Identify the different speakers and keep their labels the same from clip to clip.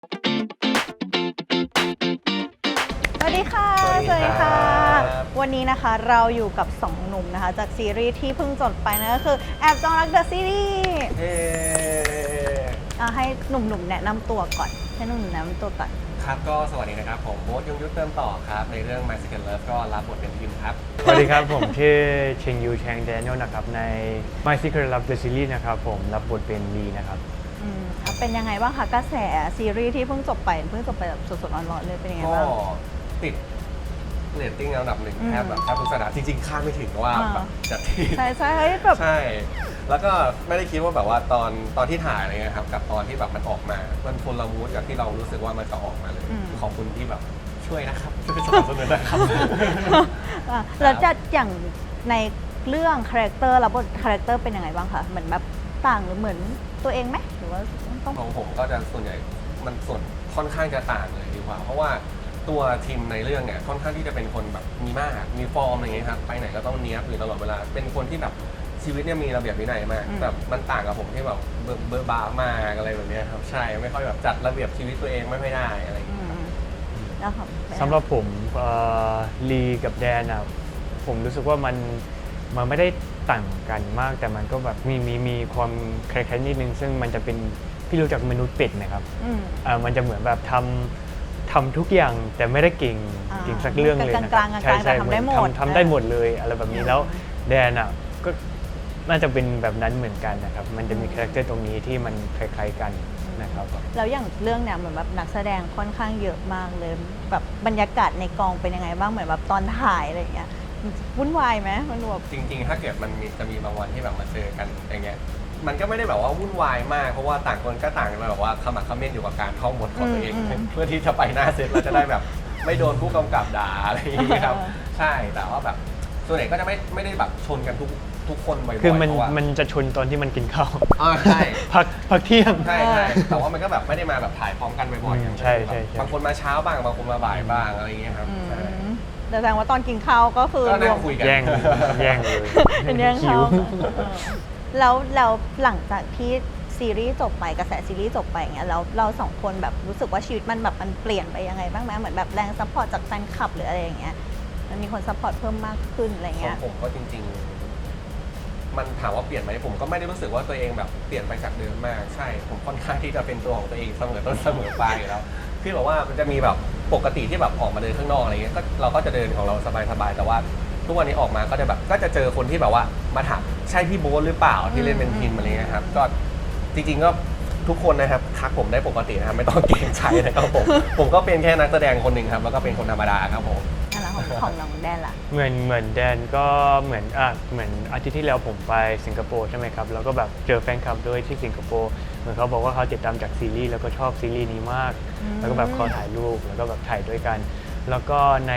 Speaker 1: สวัสดีค่ะ
Speaker 2: สวัสดีค่ะ
Speaker 1: วันนี้นะคะเราอยู่กับ2หนุ่มนะคะจากซีรีส์ที่เพิ่งจบไปนะก็คือแอบจองรักเดอะซีรีส์
Speaker 2: เย้
Speaker 1: ให้หนุ่มๆแนะนำตัวก่อนให้หนุ่มๆแนะนำตัวก่อน
Speaker 2: ครับก็สวัสดีนะครับผมโบ๊ทยงยุทธเติมต่อครับในเรื่อง My Second Love ก็รับบทเป็นพิมครับ
Speaker 3: สวัสดีครับ ผมชื่อเชงยูแชงแดเนียลนะครับใน My Secret Love the Series นะครับผมรับบทเป็นลีนะครับ
Speaker 1: เป็นยังไงบ้างคะกระแสซีรีส์ที่เพิ่งจบไปแบบสดๆร้อนๆเลยเป็นยังไง
Speaker 2: ก็
Speaker 1: บ้าง
Speaker 2: ติดเรตติ้งอันดับหนึ่ง
Speaker 1: อืม
Speaker 2: แทบทุกสัปดาห์จริงๆคาดไม่ถึงว่าแบบจะที่
Speaker 1: ใช่เฮ้ยแบบ
Speaker 2: ใช่ แล้วก็ไม่ได้คิดว่าแบบว่าตอนที่ถ่ายอะไรเงี้ยครับกับตอนที่แบบมันออกมามันคนละมูดกับที่เรารู้สึกว่ามันจะออกมาเลยขอบคุณที่แบบช่วยนะครับช่วยสนับสนุนนะครับ
Speaker 1: แล้วจะอย่างในเรื่องคาแรคเตอร์แล้วบทคาแรคเตอร์เป็นยังไงบ้างคะเหมือนแบบต่างหรือเหมือนตัวเองไหมหรือว่าต้อง
Speaker 2: ของผมก็จะส่วนใหญ่มันส่วนค่อนข้างจะต่างเลยดีกว่า เพราะว่าตัวทีมในเรื่องเนี่ยค่อนข้างที่จะเป็นคนแบบมีมากมีฟอร์มอะไรอย่างเงี้ยครับไปไหนก็ต้องเนี้ยบอยู่ตลอดเวลาเป็นคนที่แบบชีวิตเนี่ยมีระเบียบวินัยมากแบบมันต่างกับผมที่แบบเบอร์บามากอะไรแบบเนี้ยครับใช่ไม่ค่อยแบบจัดระเบียบชีวิตตัวเองไม่ได้อะไรอย่างเงี้ย
Speaker 1: แล้วครับ
Speaker 3: สำหรับผมลีกับแดนอะผมรู้สึกว่ามันไม่ได้ต่างกันมาก แต่มันก็แบบมีความคล้ายๆนิดนึง ซึ่งมันจะเป็นพี่รู้จักมนุษย์เป็ดไหมครับมันจะเหมือนแบบทำทุกอย่างแต่ไม่ได้เก่งสักเรื่องเลยนะครับใช่แต่ทำได้หมดเลยอะไรแบบนี้แล้วแดนอะก็น่าจะเป็นแบบนั้นเหมือนกันนะครับมันจะมีคาแรคเตอร์ตรงนี้ที่มันคล้ายๆกันนะครับ
Speaker 1: แล้วอย่างเรื่องเนี่ยเหมือนแบบนักแสดงค่อนข้างเยอะมากเลยแบบบรรยากาศในกองเป็นยังไงบ้างเหมือนแบบตอนถ่ายอะไรอย่างเงี้ยวุ่นวายไหมมันแบบ
Speaker 2: จริงๆ ถ้าเกิดมันจะมีบางวันที่แบบมาเจอกันอย่างเงี้ย มันก็ไม่ได้แบบว่าวุ่นวายมาก เพราะว่าต่างคนก็ต่างแบบว่าขมักเขม้นอยู่กับการท่องบทของตัวเอง เพื่อที่จะไปหน้าเซตแล้วจะได้แบบไม่โดนผู้กำกับด่าอะไรอย่างเงี้ยครับ ใช่ แต่ว่าแบบส่วนใหญ่ก็จะไม่ได้แบบชนกันทุกคนบ่อยๆ
Speaker 3: คือ
Speaker 2: เพราะว่า
Speaker 3: มันจะชนตอนที่มันกินข้าว
Speaker 2: ใช่
Speaker 3: พักเที่ยง
Speaker 2: ใช่แต่ว่ามันก็แบบไม่ได้มาแบบถ่ายพร้อมกันบ่อยๆ
Speaker 3: ใช่
Speaker 2: บางคนมาเช้าบ้างบางคนมาบ่ายบ้างอะไรอย่างเงี้ยครับใช่
Speaker 1: แต่แสดงว่าตอนกินข้าวก็คือ
Speaker 2: ก็นั่งคุยกัน
Speaker 3: แย่งเลย
Speaker 1: เป็นแย่ง
Speaker 3: หิ
Speaker 1: ข้าว
Speaker 3: ว
Speaker 1: แล้วหลังจากที่ซีรีส์จบไปกระแสซีรีส์จบไปอย่างเงี้ยแล้วเราสองคนแบบรู้สึกว่าชีวิตมันแบบมันเปลี่ยนไปยังไงบ้างไหมเหมือนแบบแรงซัพพอร์ตจากแฟนคลับหรืออะไรอย่างเงี้ยมันมีคนซัพพอร์ตเพิ่มมากขึ้นอะไร
Speaker 2: ขอ
Speaker 1: เงี้
Speaker 2: ง
Speaker 1: ย
Speaker 2: ผมก็จริงๆ มันถามว่าเปลี่ยนไหมผมก็ไม่ได้รู้สึกว่าตัวเองแบบเปลี่ยนไปจากเดิมมากใช่ผมค่อนข้างที่จะเป็นตัวของตัวเองเสมอต้นเสมอปลายอยู่แล้วพี่บอกว่ามันจะมีแบบปกติที่แบบออกมาเดินข้างนอกอะไรเงี้ยก็เราก็จะเดินของเราสบายๆแต่ว่าทุกวันนี้ออกมาก็จะแบบก็จะเจอคนที่แบบว่ามาถามใช่พี่โบ๊ทหรือเปล่าที่เล่นเป็นพิมอะไรเงี้ยครับก็จริงๆก็ทุกคนนะครับทักผมได้ปกตินะครับไม่ต้องเกรงใจนะครับผมก็เป็นแค่นักแสดงคนหนึ่งครับแล้วก็เป็นคนธรรมดาครับผม
Speaker 1: นั่นแหละของน้องแดนล่ะ
Speaker 3: เหมือนแดนก็เหมือนอาทิตย์ที่แล้วผมไปสิงคโปร์ใช่ไหมครับแล้วก็แบบเจอแฟนคลับด้วยที่สิงคโปร์เหมือนเขาบอกว่าเขาติดตามจากซีรีส์แล้วก็ชอบซีรีส์นี้มาก แล้วก็แบบขอถ่ายรูปแล้วก็แบบถ่ายด้วยกัน แล้วก็ใน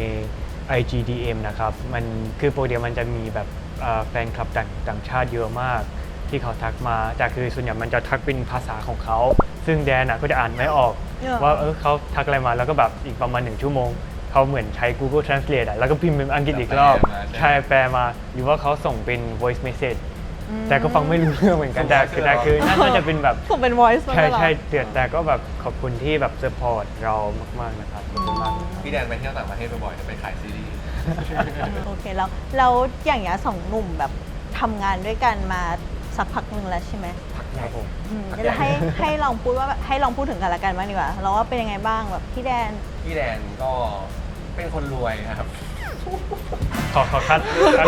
Speaker 3: IGDM นะครับมันคือโปรเดียมันจะมีแบบแฟนคลับต่างชาติเยอะมากที่เขาทักมาแต่คือส่วนใหญ่มันจะทักเป็นภาษาของเขาซึ่งแดนก็จะอ่านไม่ออกว่าเขาทักอะไรมาแล้วก็แบบอีกประมาณ1 ชั่วโมงเขาเหมือนใช้ Google Translate แล้วก็พิมพ์เป็นอังกฤษอีกรอบใช่แปลมาหรือว่าเขาส่งเป็น voice message แต่ก็ฟังไม่รู้เรื่องเหมือนกันแต่คือน่าจะเป็นแบบ
Speaker 1: ผมเป็น voice
Speaker 3: ใช่แต่ก็แบบขอบคุณที่แบบ support เรามากๆนะครับขอบคุณมาก
Speaker 2: พี่แดนไปเที่ยวต่างประเทศบ่อยๆจะไปขายซีรีส์
Speaker 1: โอเคแล้วอย่างเงี้ยสองหนุ่มแบบทำงานด้วยกันมาสักพักหนึ่งแล้วใช่ไหม
Speaker 3: ครับผม
Speaker 1: เดี๋ยวให้ลองพูดว่าให้ลองพูดถึงกันละกันบ้างดีกว่าเราว่าเป็นยังไงบ้างแบบพี่แดน
Speaker 2: พี่แดนก็เป็นคนรวยครับ
Speaker 3: ขอคัด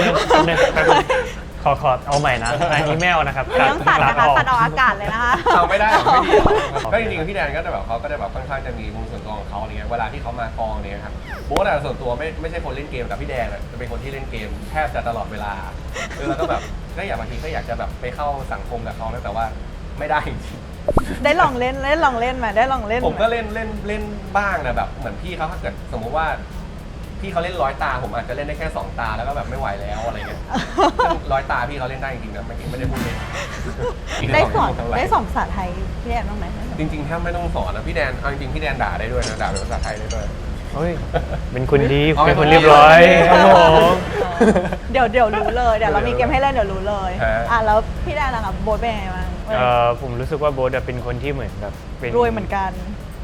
Speaker 3: ขอเอาใหม่นะอันนี้ไม่เอานะครับ
Speaker 1: อันนี้ต้องตัดนะคะ
Speaker 3: ออก
Speaker 1: ตัดออกอากาศเลยนะคะ
Speaker 2: เอาไม่ได้หรอกไม่ดีหรอกก็จริงๆพี่แดนก็จะแบบเขาก็จะแบบค่อนข้างจะมีมุมส่วนตัวของเขาอะไรเงี้ยเวลาที่เขามากองเนี่ยครับโบ๊ทส่วนตัวไม่ใช่คนเล่นเกมแต่พี่แดนจะเป็นคนที่เล่นเกมแทบจะตลอดเวลาแล้วก็แบบก็อยากบางทีก็อยากจะแบบไปเข้าสังคมกับเขาแต่ว่าไม่ได้จริง
Speaker 1: ได้ลองเล่นมาได้ลองเล่น
Speaker 2: ผมก็เล่นบ้างนะแบบเหมือนพี่เขาถ้าเกิดสมมุติว่าพี่เขาเล่น100 ตาผมอาจจะเล่นได้แค่2 ตาแล้วก็แบบไม่ไหวแล้วอะไรเงี้ย100 ตาพี่เขาเล่นได้จริงๆนะไม่ได้พูดเล่น
Speaker 1: ได้สอนภาษาไทยพี่แดนบ้างไหม
Speaker 2: จริงๆแทบไม่ต้องสอนนะพี่แดนเอาจริงๆพี่แดนด่าได้ด้วยนะด่าเป็นภาษาไทยได้ด้วย
Speaker 3: เฮ้ยเป็นคนดี
Speaker 2: อ๋อ
Speaker 3: เป็นคนเรียบร้อยครับผม
Speaker 1: เดี๋ยวรู้เลยเดี๋ยวเรามีเกมให้เล่นเดี๋ยวรู้เลย
Speaker 2: ฮะ
Speaker 1: แล้วพี่แดนล่ะครับโบ๊ทเป็นยังไงบ้าง
Speaker 3: ผมรู้สึกว่าโบ๊ทเป็นคนที่เหมือนแบบเป็น
Speaker 1: รวยเหมือนกัน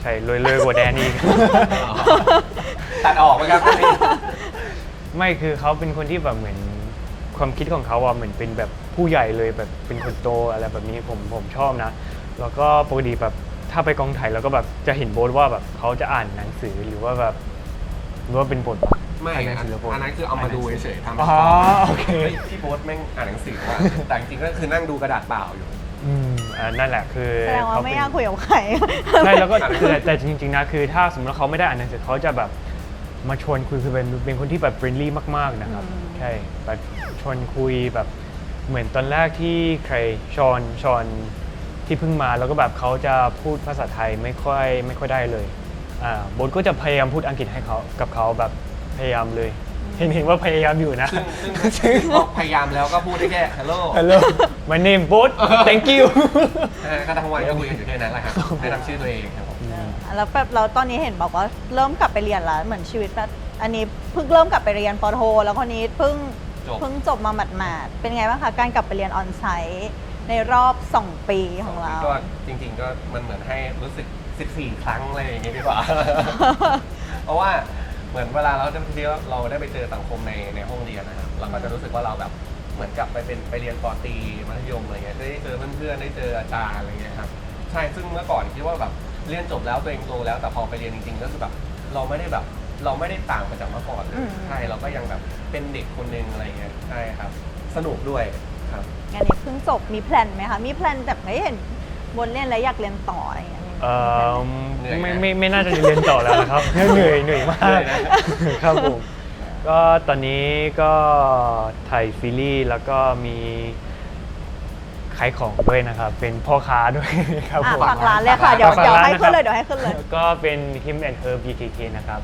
Speaker 3: ใช่เลยกว่าแดนอีก
Speaker 2: ตัดออกไหมครับพี่
Speaker 3: ไม่คือเขาเป็นคนที่แบบเหมือนความคิดของเขาอะเหมือนเป็นแบบผู้ใหญ่เลยแบบเป็นคนโตอะไรแบบนี้ผมชอบนะ แล้วก็ปกติแบบถ้าไปกองถ่ายแล้วก็แบบจะเห็นโบ๊ทว่าแบบเขาจะอ่านหนังสือหรือว่าแบบหรือว่าเป็นบท
Speaker 2: ไม่
Speaker 3: อ่านหนั
Speaker 2: อั
Speaker 3: งสือหรืบท
Speaker 2: นนั้นคือเอามาดูเฉยๆทำ
Speaker 3: อ๋อโอเค
Speaker 2: ฮ้ยพี่โบ๊ทแม่งอ่านหนังสือว่ะแต่จริงๆก็คือนั่งดูกระดาษเปล่าอยู่
Speaker 3: นั่นแหละคือ
Speaker 1: แสดงว่า
Speaker 3: เข
Speaker 1: ไม่
Speaker 3: เป็น
Speaker 1: อยากคุยกับใคร
Speaker 3: ใช่แล้วก็คือแต่จริงๆนะคือถ้าสมมติว่าเขาไม่ได้อ่านหนังสือเขาจะแบบมาชวนคุยคือเป็นคนที่แบบเฟรนลี่มากๆนะครับ
Speaker 1: อืม
Speaker 3: ใช่แบบชวนคุยแบบเหมือนตอนแรกที่ใครชอนที่เพิ่งมาแล้วก็แบบเขาจะพูดภาษาไทยไม่ค่อยได้เลยโบ๊ทก็จะพยายามพูดอังกฤษให้เขากับเขาแบบพยายามเลยเห็นว่าพยายามอยู่นะ
Speaker 2: ซึ่งพอพยายามแล้วก็พูดได้แค่ hello
Speaker 3: Hello my name โบ๊ท thank you
Speaker 2: ก็ทั้งวันก็คุยกันอยู่แค่นั้นแหละครับแนะนำชื่อตัวเองครับผม
Speaker 1: แล้วแบบเราตอนนี้เห็นบอกว่าเริ่มกลับไปเรียนแล้วเหมือนชีวิตแบบอันนี้เพิ่งเริ่มกลับไปเรียนปอโท แล้วคนนี้เพิ่งจบมาหมาดๆเป็นไงบ้างคะการกลับไปเรียนออนไซต์ในรอบ 2 ปีของเรา
Speaker 2: ก็จริงๆก็มันเหมือนให้รู้สึก 14 ครั้งอะไรอย่างเงี้ยดีกว่า เพราะว่าเหมือนเวลาเราได้ไปเจอสังคมในห้องเรียนนะครับเราก็จะรู้สึกว่าเราแบบเหมือนกลับไปเรียนปตรีมัธยมอะไรเงี้ยได้เจอเพื่อนๆได้เจออาจารย์อะไรเงี้ยครับใช่ซึ่งเมื่อก่อนคิดว่าแบบเรียนจบแล้วตัวเองโตแล้วแต่พอไปเรียนจริงๆก็คือแบบเราไม่ได้ต่างไปจากเมื่อก่อนเลยใช่เราก็ยังแบบเป็นเด็กคนนึงอะไรเงี้ยใช่ครับสนุกด้วยครับ
Speaker 1: งานนี้เพิ่งจบมีแพลนไหมคะ มีแพลนแบบไม่เห็นบนเล่นแล้วอยากเรียนต่ออะไรอย่างเงี้ยมีแพลนไหม
Speaker 2: เหนื่อยไหม
Speaker 3: ไม่น่าจะเรียนต่อแล้วนะครับ เหนื่อยมาก
Speaker 2: เหนื่อยนะ
Speaker 3: ครับผมก็ตอนนี้ก็ถ่ายซีรีส์แล้วก็มีขายของด้วยนะครับ เป็นพ่อค้าด้วยครับผม
Speaker 1: ฝากร้านเลยค่ะ เดี๋ยว
Speaker 3: ฝากร้าน
Speaker 1: ให้ขึ้นเลย
Speaker 3: นะครับ
Speaker 1: เดี๋ยวให้ขึ้นเลย
Speaker 3: ก็เป็น Him and Her BKK นะครับ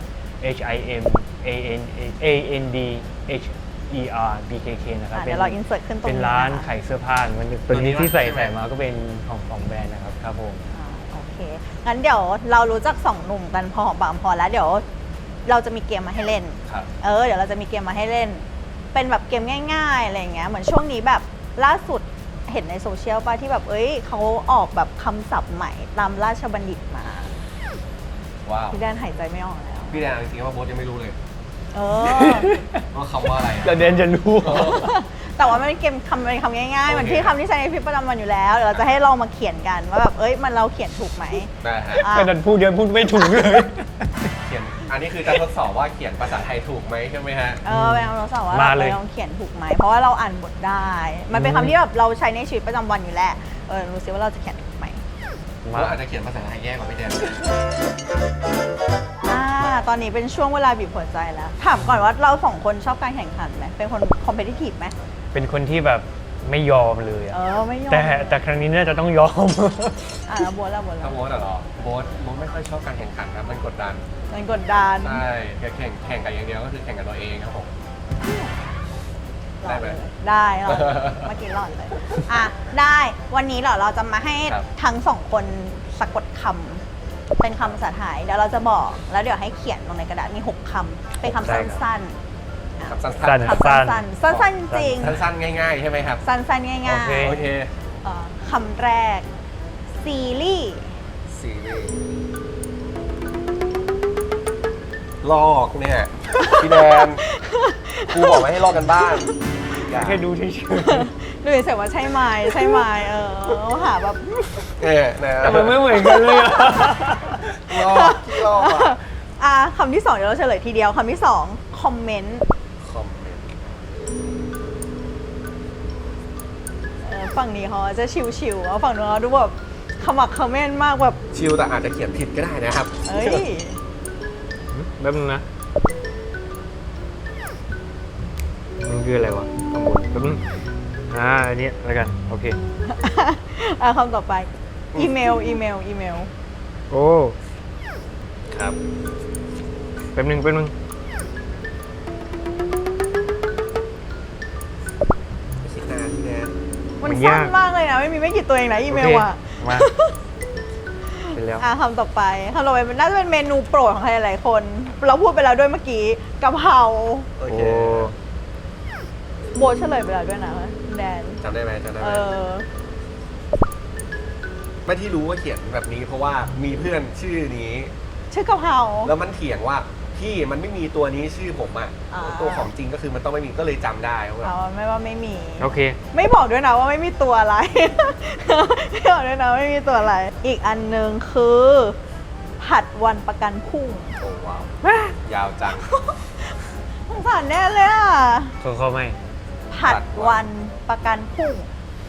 Speaker 3: HIMANDHER BKK นะครับ
Speaker 1: เดี๋ยวเรา insert ขึ้นตรงนี้
Speaker 3: เป็นร้าน
Speaker 1: นะคะ
Speaker 3: ขายเสื้อผ้าเหมันตัวนี้ที่ใส่มาก็เป็นของแบรนด์นะครับครับผม
Speaker 1: โอเค งั้นเดี๋ยวเรารู้จัก2 หนุ่มกันพอหอมปากหอมคอแล้วเดี๋ยวเราจะมีเกมมาให้เล่น
Speaker 2: ครับ
Speaker 1: เดี๋ยวเราจะมีเกมมาให้เล่น เป็นแบบเกมง่ายๆอะไรอย่างเงี้ย เหมือนช่วงนี้แบบล่าสุดเห็นในโซเชียลป่ะที่แบบเขาออกแบบคำศัพท์ใหม่ตามราชบัณฑิตมา
Speaker 2: ว้าว
Speaker 1: พี่แดนหายใจไม่ออกแล้ว
Speaker 2: พี่แดนจริงๆว่าโบ๊ทยังไม่รู้เลย
Speaker 1: เออ
Speaker 2: ว่าคำว่าอะไรอะ
Speaker 3: แต่เดนจะรู้
Speaker 1: แต่ว่ามันเป็นเกมเป็นคำง่ายๆ
Speaker 2: โอเค
Speaker 1: มันที่คำที่ใช้ในชีวิตประจำวันอยู่แล้วเดี๋ยวเราจะให้ลองมาเขียนกันว่าแบบมันเราเขียนถูกไหม
Speaker 2: ได้ฮะ
Speaker 1: อ่ะ
Speaker 3: แต่ดันพูดเดียวพูดไม่ถูกเลย
Speaker 2: เขียนอันนี้คือจะทดสอบว่าเขียนภาษาไทยถูกไหมใช่ไหมฮะ
Speaker 1: เป็นคำทดสอบว่า
Speaker 3: มาเลย
Speaker 1: เราเขียนถูกไหมเพราะว่าเราอ่านบทได้ มันเป็นคำที่แบบเราใช้ในชีวิตประจำวันอยู่แล้วรู้สิว่าเราจะเขียนถูกไหม
Speaker 2: ผมว่าอาจจะเขียนภาษาไทยแย่กว่าพี่แดน
Speaker 1: ตอนนี้เป็นช่วงเวลาบีบหัวใจแล้ว ถามก่อนว่าเรา2 คนชอบการแข่งขันไหมเป็นคนคอมเพลติทีฟไหม
Speaker 3: เป็นคนที่แบบไม่ยอมเลยอะ
Speaker 1: ไม่ยอม
Speaker 3: แต่ครั้งนี้น่าจะต้องยอม
Speaker 1: แล้วบัวแล้ว
Speaker 2: ถ้าโบ๊ทเหรอโบ๊ทไม่ค่อยชอบการแข่งขันครับมันกดดัน
Speaker 1: มันกดดัน
Speaker 2: ใช่แข่งกันอย่างเดียวก็คือแข่งกับตัวเองครับผม
Speaker 1: หลอด
Speaker 2: ได้ไหม
Speaker 1: เลยได้หลอดเลยเมื่อกี้หลอดเลยได้วันนี้เราจะมาให้
Speaker 2: ครับ
Speaker 1: ทั้ง2 คนสะกดคำเป็นคำภาษาไทยเดี๋ยวเราจะบอกแล้วเดี๋ยวให้เขียนลงในกระดาษมี6 คำเป็นคำ
Speaker 3: ได้ครับ
Speaker 1: สั้น
Speaker 2: ครับสั้
Speaker 3: สั้
Speaker 2: น
Speaker 3: น
Speaker 1: ๆคำสั้นๆสั้นๆจริง
Speaker 2: ๆสั้นๆง่ายๆใช่ไหมครับ
Speaker 1: สั้นๆง่าย
Speaker 3: โอเค
Speaker 2: โอเค
Speaker 1: ๆคำแรกซีรีส์
Speaker 2: ซีรีส์ลอกเนี่ย พี่แดนครูบอกไม่ให้ลอกกันบ้านอย่า
Speaker 3: แค่ดูเฉย
Speaker 1: ดูเฉยๆว่าใช่ไหมหาแบบ
Speaker 2: นะ
Speaker 3: ๆแต่มันไม่เหมือนกันเลยอะ
Speaker 2: ลอกที่ลอกอะ
Speaker 1: คำที่ 2เดี๋ยวเราเฉลยทีเดียวคำที่ 2 คอมเมนต์
Speaker 2: คอมเมนต์
Speaker 1: ฝั่งนี้เขาจะชิวๆฝั่งนู้นเขาดูแบบขมักเขม้นมากแบบ
Speaker 2: ชิลแต่อาจจะเขียนผิดก็ได้นะครับ
Speaker 3: แป๊บนึงนะ มันคืออะไรวะข้างบนแป๊บนึงอันนี้แล้วกัน โอเค
Speaker 1: คำต่อไป อีเมล
Speaker 3: โอ้
Speaker 2: ครับ
Speaker 3: แป๊บนึง
Speaker 2: คิดนานพี่แดน
Speaker 1: มัน
Speaker 3: มัน
Speaker 1: สั้
Speaker 3: ยาน ก
Speaker 1: มากเลยนะ ไม่กี่ตัวเองนะอีเมล
Speaker 3: โค
Speaker 1: อ่ะ
Speaker 3: มาเป็นแล้ว
Speaker 1: คำต่อไปมันน่าจะเป็นเมนูโปรดของใครหลายๆคน เราพูดไปแล้วด้วยเมื่อกี้กะเพรา
Speaker 2: โอ
Speaker 3: โอ้
Speaker 2: เค
Speaker 1: โบทเฉลยไปแล้วด้วยนะแดน
Speaker 2: จำได้ไหม
Speaker 1: เออ
Speaker 2: ไม่ที่รู้ว่าเขียนแบบนี้เพราะว่ามีเพื่อนชื่อนี้
Speaker 1: ชื่อกะเพรา
Speaker 2: แล้วมันเถียงว่าพี่มันไม่มีตัวนี้ชื่อผมอ่ะ
Speaker 1: อ่า
Speaker 2: ตัวของจริงก็คือมันต้องไม่มีก็เลยจำได้ว่าแบบ
Speaker 1: เอาไม่ว่าไม่มี
Speaker 3: โอเค
Speaker 1: ไม่บอกด้วยนะว่าไม่มีตัวอะไร ไม่บอกด้วยนะว่าไม่มีตัวอะไร อีกอันหนึ่งคือ ผัดวันประกันพรุ่ง
Speaker 2: โอ้ว้าว ยาวจัง
Speaker 1: สงสารแน่เลยอ่ะ
Speaker 3: เขาไม่
Speaker 1: ผัดวันประกันพรุ่ง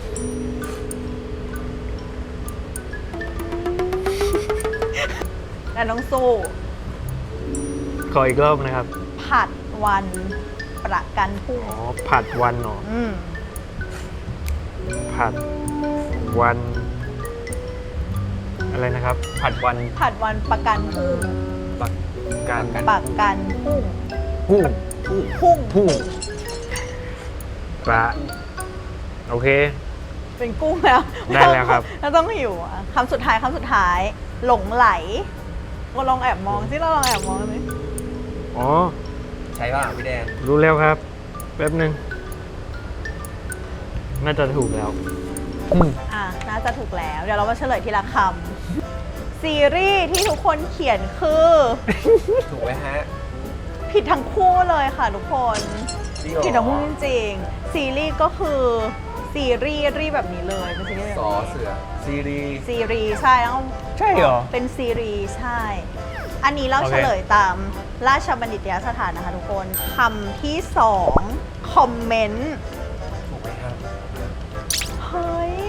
Speaker 1: แต่น้องสู้
Speaker 3: ขออีกรอบนะครับ
Speaker 1: ผัดวันประกันพรุ่ง
Speaker 3: อ๋อ ผัดวันเหรอ ผัดวัน อะไรนะครับ ผัดวัน
Speaker 1: ผัดวันประกันพรุ่ง
Speaker 3: ปักการ
Speaker 1: ประกันพรุ่ง
Speaker 3: พุ่ง
Speaker 1: พุ่ง
Speaker 3: พุ่งปลาโอเค
Speaker 1: เป็นกุ้งแล้ว
Speaker 3: ได้แล้วครับ
Speaker 1: แล้วต้องหิวอ่ะคำสุดท้าย หลงไหลก็ลองแอบมองสิเราลองแอบมองสิ
Speaker 3: อ๋อ
Speaker 2: ใช่ป่ะพี่แดน
Speaker 3: รู้แล้วครับ แป๊บหนึ่งน่าจะถูกแล้ว
Speaker 1: น่าจะถูกแล้ว เดี๋ยวเรามาเฉลยทีละคำซีรีส์ที่ทุกคนเขียนคือ
Speaker 2: ถูกไหมฮะ
Speaker 1: ผิดทั้งคู่เลยค่ะทุกคน
Speaker 2: จริงเหรอ
Speaker 1: ผิดทั้งคู่จริงๆซีรีส์ก็คือซีรีส์แบบนี้เลยเป็นซีรีส์แบบ
Speaker 2: สอ
Speaker 1: นี้
Speaker 2: เสือซีรีส์
Speaker 1: ซีรีส์ใช่ต้อง
Speaker 3: ใช่เหรอ
Speaker 1: เป็นซีรีส์ใช่ อันนี้เรา
Speaker 3: โอเค
Speaker 1: เฉลยตามราชบัณฑิตยสถานนะคะทุกคนคำที่สองคอมเมนต์
Speaker 2: ถูกไหมครับ
Speaker 1: เฮ้ย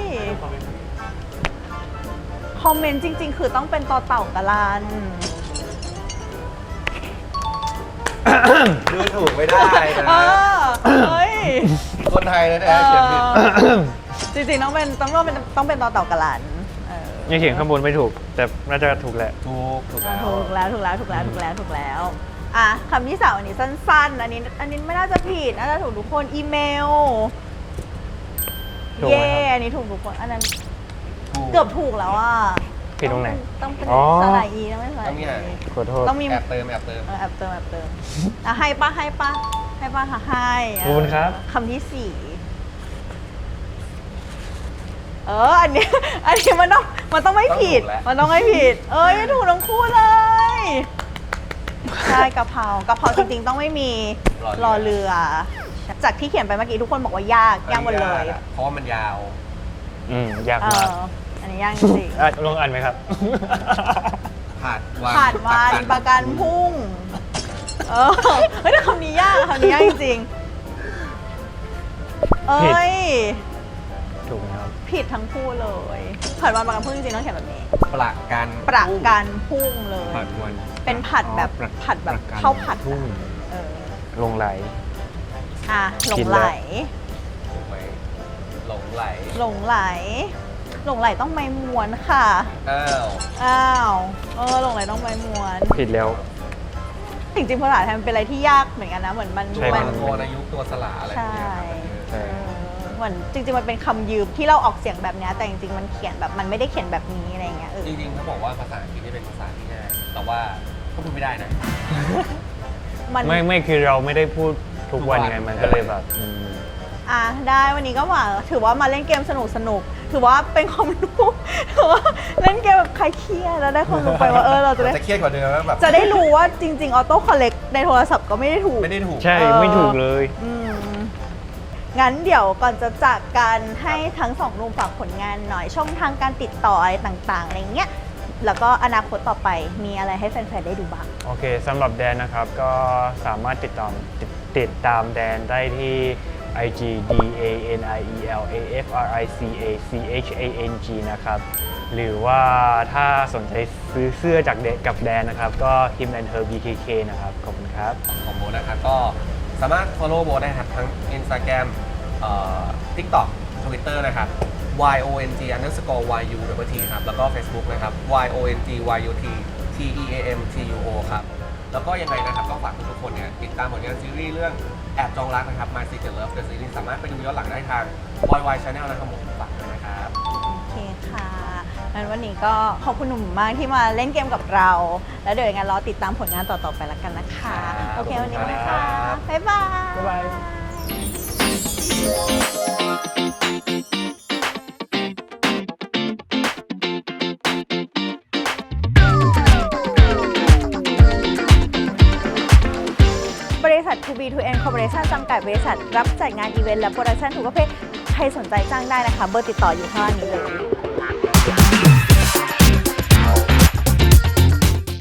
Speaker 1: คอมเมนต์จริง ๆ คือต้องเป็นต่อเต่ากะลัน
Speaker 2: ดูถูกไม่ได้นะ
Speaker 1: เฮ้ย
Speaker 2: คนไทยนะเนี่ยเขียนผิด
Speaker 1: จริงๆต้องเป็นต่อเต่ากะลันเออ
Speaker 3: ยังเขียนข้างบนไม่ถูก แต่น่าจะถูกแหละ
Speaker 2: ถูกแล้ว
Speaker 1: ถูกแล้วอ่ะคำที่สามอันนี้สั้นๆ อันนี้ไม่น่าจะผิดน่าจะถูกทุกคนอีเมล
Speaker 3: ถูกไหม
Speaker 1: เย่
Speaker 3: ครับ
Speaker 1: อันนี้ถูกทุกคนอันนั้น
Speaker 2: ถูก
Speaker 1: เกือบถูกแล้วอ่ะ
Speaker 3: ผิดตรงไหน
Speaker 1: ต้องเป็น
Speaker 3: อ๋อ
Speaker 1: สระอีต้องเป็นสระ
Speaker 2: ต้องมี
Speaker 1: อี
Speaker 2: หาง
Speaker 3: ขอโทษ
Speaker 1: ต้องมี
Speaker 2: แอบเติม
Speaker 1: แอบเติมอ่ะให้ปะค่ะให้
Speaker 3: ขอบคุณครับ
Speaker 1: คำที่สี่อันนี้มันต้องไม่ผิด มันต้องไม่ผิด ถูกทั้งคู่เลย ใช่กะเพราจริงๆต้องไม่มีรอเรือ จากที่เขียนไปเมื่อกี้ทุกคนบอกว่ายากหมดเลย
Speaker 2: เพราะว่ามันยาว
Speaker 3: ยากมาก
Speaker 1: อันนี้ยากจริง
Speaker 3: ลองอ่านไหมครับ
Speaker 2: ผ่านวัน
Speaker 1: ผ่านวันประกันพรุ่งเฮ้ยแต่คำนี้ยากจริงๆ
Speaker 3: ถูกไหมครับ
Speaker 1: ผิดทั้งคู่เลยผ่านวันประกันพรุ่งจริงๆต้องเขียนแบบนี้
Speaker 2: ประกัน
Speaker 1: ประกันพรุ่งเลย
Speaker 3: ผัดวัน
Speaker 1: เป็นผัดแบบ
Speaker 3: อ๋อ
Speaker 1: ผัดแบบ
Speaker 3: ประกัน
Speaker 1: ข้าวผัด
Speaker 3: พรุ่ง
Speaker 1: เออ
Speaker 3: ลงไหล
Speaker 1: หลงไหล
Speaker 2: ถูกไหมหลงไหล
Speaker 1: หลงไหลต้องไม่ม้วนค่ะ
Speaker 2: อ้าว
Speaker 1: หลงไหลต้องไม่ม้วน
Speaker 3: ผิดแล้ว
Speaker 1: จริงๆภาษาไทยมันเป็นอะไรที่ยากเหมือนกันนะเหมือนมัน
Speaker 3: ใช่
Speaker 2: ตัวโทนอายุตัวสละอะไรอย่างเงี้ยครับ
Speaker 3: ใช่
Speaker 1: เหมือนจริงๆมันเป็นคำยืมที่เราออกเสียงแบบเนี้ยแต่จริงๆมันเขียนแบบมันไม่ได้เขียนแบบนี้อะไรอย่างเงี้ย
Speaker 2: จริงๆเขาบอกว่าภาษาอังกฤษนี่เป็นภาษาที่ง่าย แต่ว่าก็พูดไม่ได้นะ
Speaker 1: มัน
Speaker 3: ไม่คือเราไม่ได้พูดทุกวันไง มันก็เลยแบบ
Speaker 1: ได้วันนี้ก็หวังถือว่ามาเล่นเกมสนุกถือว่าเป็นความรู้ถือว่าเล่นเกมแบบคลายเครียดแล้วได้ความรู้ไปว่าเราจะได้
Speaker 2: จะเครียดกว่าเดิมแล้วแบบ
Speaker 1: จะได้รู้ว่าจริงๆออโต้คอลเลกในโทรศัพท์ก็ไม่ได้ถูก
Speaker 2: ไม่ได้ถูก
Speaker 3: ใช่ ไม่ถูกเลย
Speaker 1: งั้นเดี๋ยวก่อนจะจากกันให้ทั้งสองหนุ่มฝากผลงานหน่อยช่องทางการติดต่ออะไรต่างๆอะไรเงี้ยแล้วก็อนาคตต่อไปมีอะไรให้แฟนๆได้ดูบ้าง
Speaker 3: โอเคสำหรับแดนนะครับ ก็สามารถติดตามแดนได้ที่ IG DANIELAFRICACHANG นะครับ หรือว่าถ้าสนใจซื้อเสื้อจากกับแดนนะครับ ก็ him and her BKK นะครับ ขอบคุณครับ
Speaker 2: ของโบนะครับก็สามารถ follow โบได้ครับทั้ง Instagram TikTok Twitter นะครับ YONG_YUT ครับแล้วก็ Facebook นะครับ YONGYUTTEAMTUO ครับแล้วก็ยังไงนะครับก็ฝากทุกๆคนเนี่ยติดตามผลงานซีรีส์เรื่องแอบจองรักนะครับ My Secret Love The Series สามารถไปดูย้อนหลังได้ทาง YY Channel นะครับผมฝากด้วยนะครับ
Speaker 1: โอเคค่ะงั้นวันนี้ก็ขอบคุณหนุ่มมากที่มาเล่นเกมกับเรา แล้วเดี๋ยวยังไงรอติดตามผลงานต่อๆไปละกันนะคะ
Speaker 2: ครับ
Speaker 1: โอเควันนี้
Speaker 2: ขอบ
Speaker 1: ไป
Speaker 2: คุณครั
Speaker 1: ค่ะ
Speaker 2: บ
Speaker 1: บ๊ายบาย
Speaker 3: บ๊ายบาย
Speaker 1: ริษัท To B To N Corporation จำกัดบริษัทรับจัดงานอีเวนต์และโปรดักชั่นทุกประเภทใครสนใจจ้างได้นะคะ เบอร์ติดต่ออยู่ข้างล่างนี้เลย